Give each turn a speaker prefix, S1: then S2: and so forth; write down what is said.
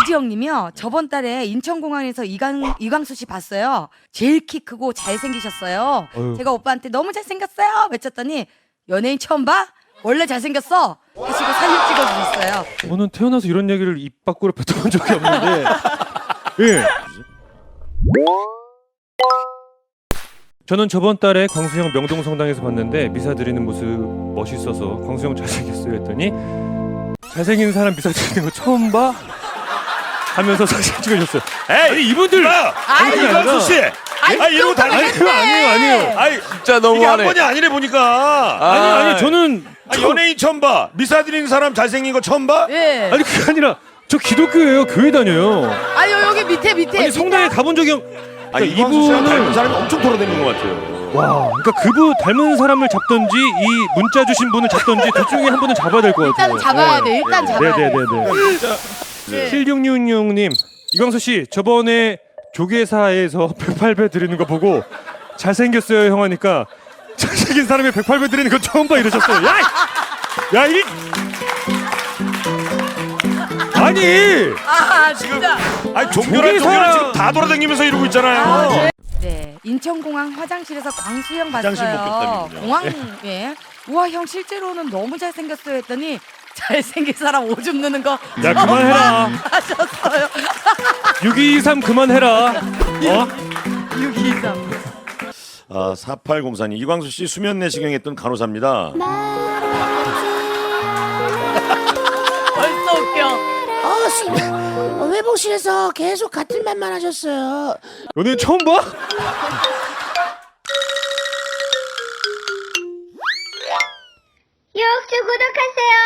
S1: 이지영님이요. 저번 달에 인천공항에서 이광수 씨 봤어요. 제일 키 크고 잘생기셨어요.
S2: 어휴.
S1: 제가 오빠한테 너무 잘생겼어요 외쳤더니 연예인 처음 봐? 원래 잘생겼어 하시고 사진 찍어주셨어요.
S2: 저는 태어나서 이런 얘기를 입 밖으로 뱉어본 적이 없는데 예. 저는 저번 달에 광수형 명동성당에서 봤는데 미사 드리는 모습 멋있어서 광수형 잘생겼어요 했더니 잘생긴 사람 미사 드리는 거 처음 봐? 하면서 사진 찍어줬어요. 아니 이분들
S3: 이광수 씨. 이러고 달리겠네.
S2: 아니에요.
S3: 아이
S4: 진짜
S3: 이게 한
S4: 너무하네.
S3: 번이 아니래 보니까.
S2: 아니 저는
S3: 연예인 처음 봐. 미사 드리는 사람 잘생긴 거 처음 봐?
S1: 예.
S2: 아니 그게 아니라 저 기독교예요. 교회 다녀요.
S1: 아니 여기 밑에
S2: 아니 성당에 가본 적이 없.
S3: 아니
S2: 그러니까
S3: 이광수 씨랑 닮은
S2: 이분은
S3: 사람이 엄청 돌아다니는 것 같아요.
S2: 와, 그러니까 그분 닮은 사람을 잡던지 이 문자 주신 분을 잡던지 둘 중에 한 분은 잡아야 될 것 같아요.
S1: 일단 잡아야 돼. 일단 잡아야 돼.
S2: 네네네네. 7666님, 이광수 씨 저번에 조계사에서 108배 드리는 거 보고 잘생겼어요 형 하니까 잘생긴 사람이 108배 드리는 거 처음 봐 이러셨어요. 야 이. 아니.
S1: 아 진짜.
S3: 아니 종교랑 지금 다 돌아다니면서 이러고 있잖아요.
S1: 네, 인천공항 화장실에서 광수형
S3: 화장실 못
S1: 봤어요.
S3: 갔다면요.
S1: 공항에 우와 형 실제로는 너무 잘생겼어요 했더니 잘생긴 사람 오줌 누는 거
S2: 야 그만해라.
S1: 하셨어요.
S2: 6223 그만해라.
S1: 623.
S3: 4804님 이광수 씨 수면 내시경했던 간호사입니다.
S1: 벌써 웃겨.
S5: 회복실에서 계속 같은 말만 하셨어요.
S2: 연예인 처음 봐?
S6: 유혹주 구독하세요.